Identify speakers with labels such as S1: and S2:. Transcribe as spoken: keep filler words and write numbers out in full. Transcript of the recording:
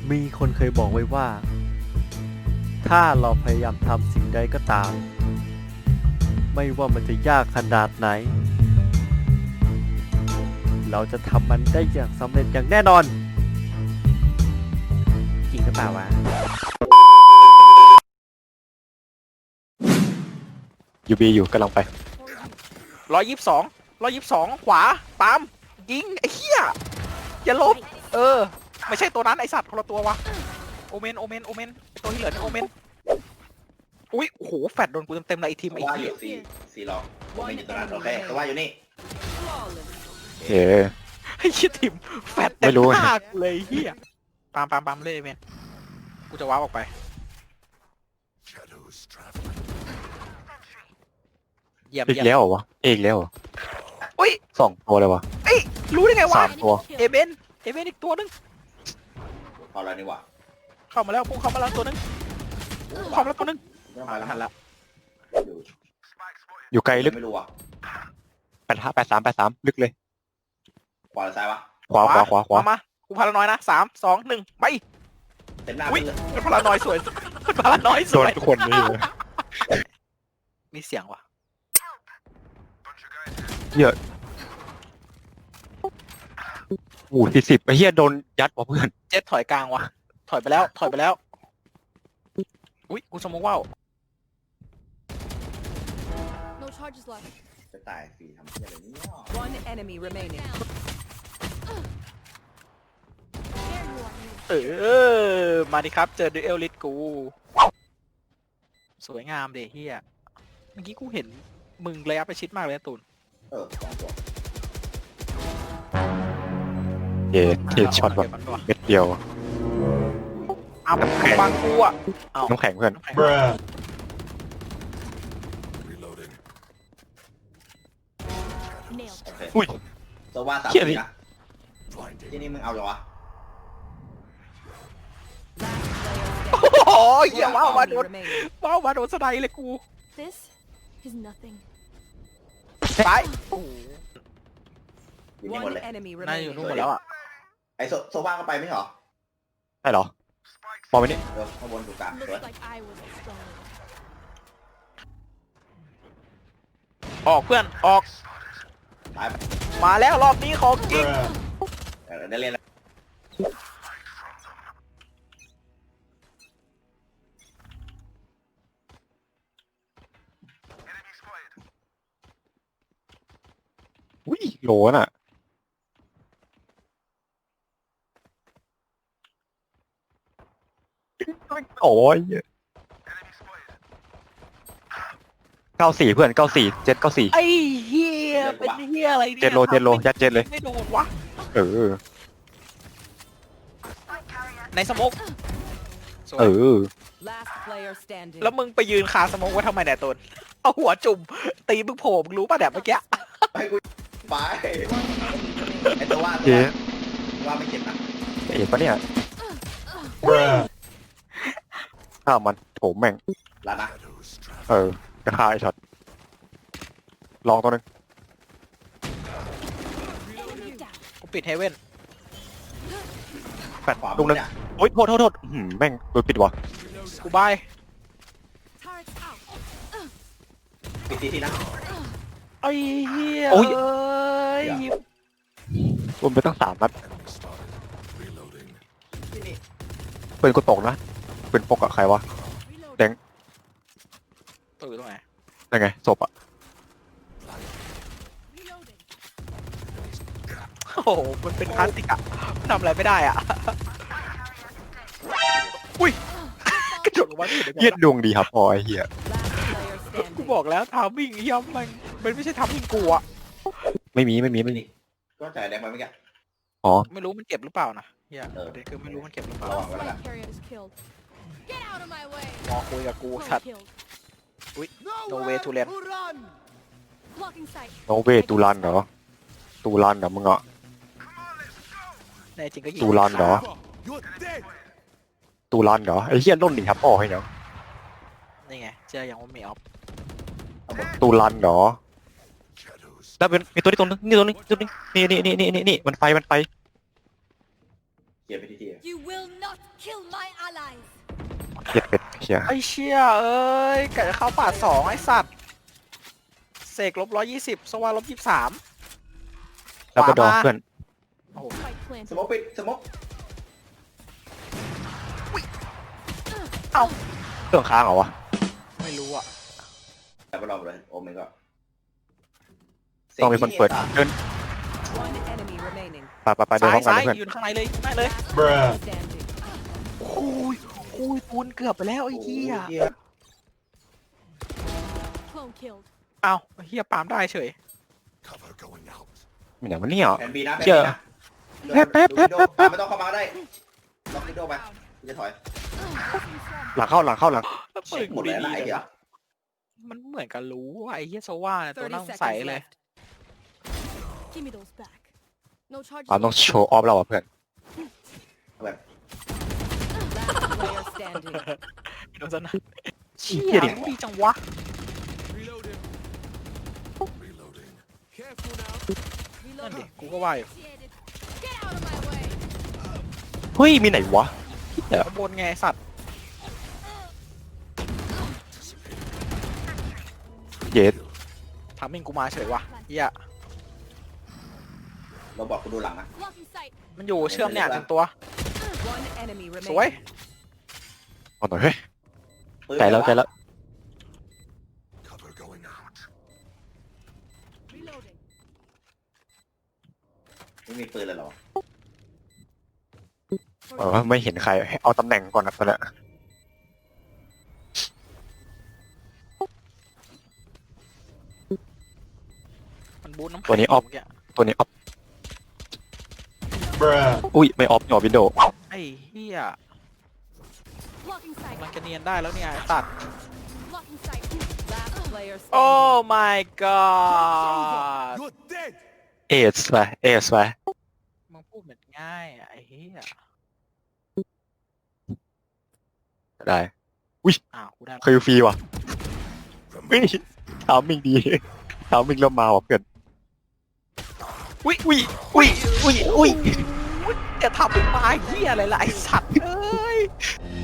S1: มีคนเคยบอกไว้ว่า ถ้าเราพยายามทำสิ่งใดก็ตาม ไม่ว่ามันจะยากขนาดไหน เราจะทำมันได้อย่างสำเร็จอย่างแน่นอน จริงหรือเปล่าวะยูบีอยู่กำลังไป
S2: ร้อยยี่สิบสองร้อยยี่สิบสองขวาปั๊มยิงไอ้เหี้ยอย่าลบเออไม่ใช่ตัวนั้นไอสัตว์คนละตัววะโอเมนโอเมนโอเมนตัวที่เหลือนี่โอเมนอุ้ยโอ้โหแฟดโดนกูเต็มๆเลยไอทีมไอ้
S3: ว่าอ
S2: เหี้ย
S3: ยู่สี่สี่หลอกผมไม่อยู่ตรงนั้นโอเคแต่ว่าอยู่นี่
S1: เอ๋
S2: ไอ้เหี้ยทีมแฟดเต็
S1: ไม่
S2: ม
S1: รู้
S2: หน้ากูเลยไอ้เหี้ยปามปามปามเลยเมนกูจะว้าวออกไปเยี่ยม
S1: อีก
S2: เยี่ยม
S1: แล้วเหรอวะอีกแล้วเหรอ
S2: อุ้ย
S1: สองตัวเลยวะ
S2: เอ้ยรู้ได้ไงวะ
S1: สามตัว
S2: เอเบนเอเบนอีกตัวนึง
S3: พอแล้วนี่หว่า
S2: เข้ามาแล้วพุ่งเข้ามาแล้วตัวนึงเข้ามาแล้วตัวนึง
S3: ไม่ต้องมาแล้ว
S2: หันละ
S3: อยู่
S1: อยู่ไกลลึก
S3: ไม่รู้อ่ะ
S1: แปดห้าแปดสามแปดสามลึกเลย
S3: ขวาหรือซ้ายวะ
S1: ขวาขวาขวาขวา
S2: เอมากูพารานอยนะสามสองหนึ่งไป
S3: เต็มหน้า
S2: อุ้ย
S3: เลย
S2: มันพารานอยสวยมันพารานอยส
S1: โด
S2: วน ย
S1: ทุกคนนี่เลย
S2: มีเสียงว่ะ
S1: เยอะโอ้สี่สิบไอ้เหี้ยโดนยัดว่ะเพื่อน
S2: เจ็ดถอยกลางว่ะถอยไปแล้วถอยไปแล้วอุ้ยกูสมมติว่าว
S4: No charges left.
S3: จะตายฟรีทำเพี้ยอะไรเนี่ย
S5: One enemy remaining.
S4: There you are. you.
S2: เออมาดิครับเจอดูเอลลิทกูสวยงามเดเฮียเมื่อกี้กูเห็นมึงระยะประชิดมากเลยนะตูน
S3: เออสองตัว
S1: เย้เทช็อตว่ะ
S2: เก็บมันว่ะ
S1: เม็ดเดียว
S2: อ้าวบางกูอ่ะอ้าว
S1: น้ำแข็งเพื่อน
S2: น้ำแข็ง
S4: Nailed.
S3: โอเค
S1: อุ้ย
S3: ตัวว่าสาม
S1: เหี้ย
S3: ที
S1: นี่
S3: นะที่นี่มึงเอาเหรอวะ
S2: โอ้ยเหี้ยว้าวมาโด
S5: Enemy
S2: น
S5: remaining.
S2: ว้าวมาโดนสไนเลยกู
S4: This is nothing.
S2: ไปโอ้โห
S3: อยู่นี่หมด
S5: One
S3: เลย
S5: enemy
S2: น่าจะอยู่
S5: remaining.
S2: นู่นหมดแล้วอ่ะ
S3: ไอโซโซว่าก็ไปไม่เหรอ
S1: ใช่เหรอมองไปนี่
S3: เออข้างบนอยู่กลางสวย
S4: Looks like I was exploding.
S2: ออกเพื่อนออก
S3: ตายไป
S2: มาแล้วรอบนี้ของจริง
S3: เออได้เล่นแล้ว
S1: อุ้ยโหลน่ะโอ้ยเก้าสี่เพื่อนเก้าสี่เจ็ดเก้าสี่
S2: ไอ้เฮียเป็นเฮียอะไรเนี่ย
S1: เจ็ดโลเจ็ดโลยัดเจ็ดเลย
S2: ไม่โดนวะ
S1: เออ
S2: ในสโมกสวย
S1: เออ
S5: Last player standing.
S2: แล้วมึงไปยืนคาสโมกไว้ทำไมเนี่ยตนเอาหัวจุ่มตีมึงโผล่มึงรู้ป่ะแบบเมื่อกี้
S3: ไปกูไปไอตัวว่าตัว
S1: เจ๊
S3: ว่าไม่เจ็บนะ
S1: เอ็ดปะเนี่ยข้าวมันโถมแม่ง
S3: แล้วนะ
S1: เออจะฆ่าไอ้ช็อตลองตัวนึง
S4: Enemy down.
S2: กูปิดเฮเว่น
S1: แปด
S3: ขวา
S1: ลูกนึง
S3: เนี่ย
S1: โอ๊ยโทษโทษโทษอื้อหือแม่งโดนปิดวะ
S2: กูบาย
S4: Turrets out.
S3: ปิดทีทีนะ
S2: ไอ้เฮีย
S1: โอ้ย
S2: เอ้ย
S1: รวมไปตั้งสามนัด
S3: ที่นี่
S1: ปืนกูตกนะปืนปกอะใครวะ
S4: Reload.
S1: แดง
S2: ตัวอยู่ตรงไหน
S1: ยังไงศพอะ
S4: Reloading.
S2: โอ้โหมันเป็นพลาสติกอะมันทำอะไรไม่ได้อะอุ้ยกระโดดลงมาที่
S1: เยียดดวงดีครับพอไอ้เหี้ย
S5: Last player
S2: กู
S5: standing.
S2: บอกแล้วทามมิ่งเฮียมันมันไม่ใช่ทามมิ่งกูอะ
S1: ไม่มีไม่มีไม่มี
S3: ก็จ่ายแดงไปเมื่อกี้
S1: อ๋อ
S2: ไม่รู้มันเจ็บหรือเปล่านะเฮีย
S3: เออ
S2: ประเด็นคือไม่รู้มันเจ็บหรือเปล่า
S3: ระวังไว้แล้วกัน
S4: Spike carrier is killed. Get out of my way.
S2: มองคุยกับกู
S4: One
S2: สัตว์
S4: killed.
S2: โนเวทูเลน
S4: Blocking sight.
S1: โนเวตูรันเหรอตูรันเหรอมึงอะ
S2: ในจริงก็ยิง
S1: ตูรันเหรอตูรันเหรอไอ้เหี้ยล่นดีครับพ่อให้เนาะ
S2: นี่ไงเจออย่างว่ามีออฟ
S1: ตูรันเหรอแล้วเป็นมีตัวนี้ตัวนึงนี่ตัวนึงตัวนึงนี่นี่นี่นี่นี่นี่มันไฟมันไฟ
S3: เกียร์ไปที่ที่
S4: You will not kill my allies.
S6: เหี้ยเป็ดเหี้ย
S2: ไอ้เชี่ยเอ้ยกะจะเข้าป่าสองไอ้สัตว์เสกลบร้อยยี่สิบสวาลบยี่สิบสาม
S6: แล้วก็ดองเพื่อน
S4: Spike
S3: ส
S4: planted.
S3: มกปิดสมก
S2: เอ้า
S6: เครื่องค้างเหรอวะ
S2: ไม่รู้อ่ะ
S3: แต่ไปลองเลยโอ้ไม่ก็
S6: ต้องมีคนเปิดเดิน
S5: One enemy remaining.
S6: ไปไปไปเดิน
S2: ซ้า
S6: พร้
S2: ย
S6: อมกัน
S2: ซ้าย
S6: เลยเพื่อน
S2: ยืนข้างในเลยข้างในเลย
S5: Last player standing.
S2: โอ้ยโอ้ยปูนเกือบไปแล้วไอ้เหี้ย
S4: Clone killed.
S2: เอ้าไอ้เหี้ยปาล์มได้เฉย
S6: มันอย่างมันเนี่ยเหรอ
S3: แผนบีนะแผน
S6: เชื่
S3: บี
S6: อ
S3: นะ
S6: แป๊บแป๊บแป๊บแป๊บ
S3: ปาไม่ต้องเข้ามาก็ได้ล็อกวิดโดไปกูจะถอย
S6: หลังเข้าหลังเข้าหลัง
S2: แล้ว
S3: เช็
S2: ปื
S3: คน หม
S2: กู
S3: ดเลย
S2: ดี
S3: นะ
S2: ๆ
S3: ไอ้
S2: เลย
S3: เดี๋ยว
S2: วะมันเหมือนกับรู้ว่าไอ้เหี้ยโซว่าเนี่ยตัว
S5: thirty
S2: น่าสง
S5: seconds
S2: สัยเลย
S5: left.
S4: Give me those back. No charges.
S6: ปาล์มต้องโชว์ออฟเราอ่ะเพื่อน
S3: แบบ
S5: Last player standing.
S2: โดนซะนะเชี่
S6: เหี้
S2: ย
S6: ยดิ
S2: ดีจังวะ นั่นดิ กูก็ว่าอยู่
S4: Initiated. Get out of my way.
S6: เฮ้ยมีไหนวะ
S2: ข้างบนไงไอ้สัตว์
S6: เย็ด
S2: ทำมิงกูมาเฉยวะเหี้ย
S3: เราบอกกูดูหลังนะ
S4: Blocking sight.
S2: มันอยู่เชื่อมเนี่ยถึงตัว
S5: One enemy
S2: สวย
S5: remaining.
S6: เอาหน่อยเฮ้ย
S3: ปืน
S6: ใจแล้วใจแล้ว
S4: Reloading.
S3: ไม่มีปืนเลยเหรอ
S6: เออไม่เห็นใครเอาตำแหน่งก่อนนะตอนเนี้ย
S2: มันบูทน้ำแข็ง
S6: ตัวนี้ออฟ
S2: เมื่กี้
S6: ตัวนี้ออฟอุ้ยไม่ออฟหยอวินโดว์
S2: ไอ้เหี้ย
S4: Blocking sight.
S2: มันจะเนียนได้แล้วเนี่ยไอ้สัตว์
S4: Blocking sight.
S5: Last player
S2: โอ้
S5: standing.
S2: my god
S6: เอสไปเอสไป
S2: มึงพูดเหมือนง่ายอะไอ้เหี้ย
S6: ได้
S2: อ้าวกูได้
S6: คิวฟรีว่ะเฮ้ยถามมิงดีถามมิงเริ่มมาว่ะเพื่อน
S2: อุ้ย
S6: อุ้ยอุ้ยอุ้ยอุ้ย
S2: จะทำเป็นไม้เหี้ยอะไรล่ะไอ้สัตว์เอ้ย